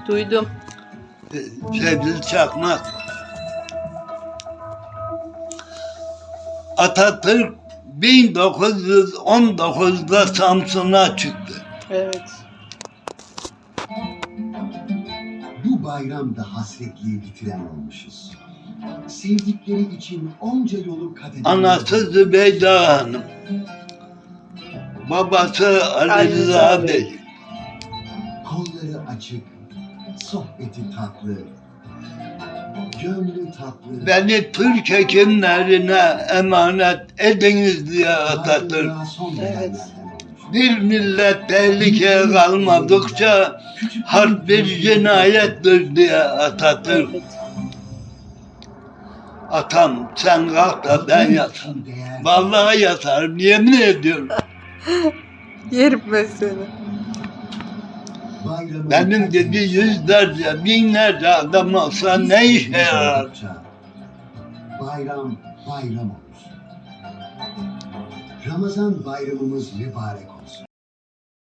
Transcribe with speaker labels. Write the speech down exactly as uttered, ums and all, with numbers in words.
Speaker 1: Duydum.
Speaker 2: Sevgili Çakmak. Atatürk bin dokuz yüz on dokuzda Samsun'a çıktı.
Speaker 1: Evet.
Speaker 3: Bu bayramda hasretliği bitiren olmuşuz. Sevdikleri için onca yolu kat eden...
Speaker 2: Anası Zübeyde Hanım. Babası Ali
Speaker 1: Ali
Speaker 2: Rıza
Speaker 1: Rıza
Speaker 2: Bey.
Speaker 3: Kolları açık, sohbeti tatlı, gönlü tatlı.
Speaker 2: Beni Türk hekimlerine emanet ediniz diye Atatürk.
Speaker 3: Bayramda son
Speaker 1: Evet.
Speaker 3: bedenlerden olmuş.
Speaker 2: Bir millet tehlikeye kalmadıkça harp bir cinayettir diye Atatürk.
Speaker 1: Evet.
Speaker 2: Atam sen kalk da ben yatarım. Vallahi yatarım, yemin ediyorum.
Speaker 1: Yerim ben seni.
Speaker 3: Bayramın
Speaker 2: Benim gibi yüzlerce, binlerce adam olsa ne işe yarar?
Speaker 3: Bayram, bayram olur. Ramazan bayramımız mübarek olsun.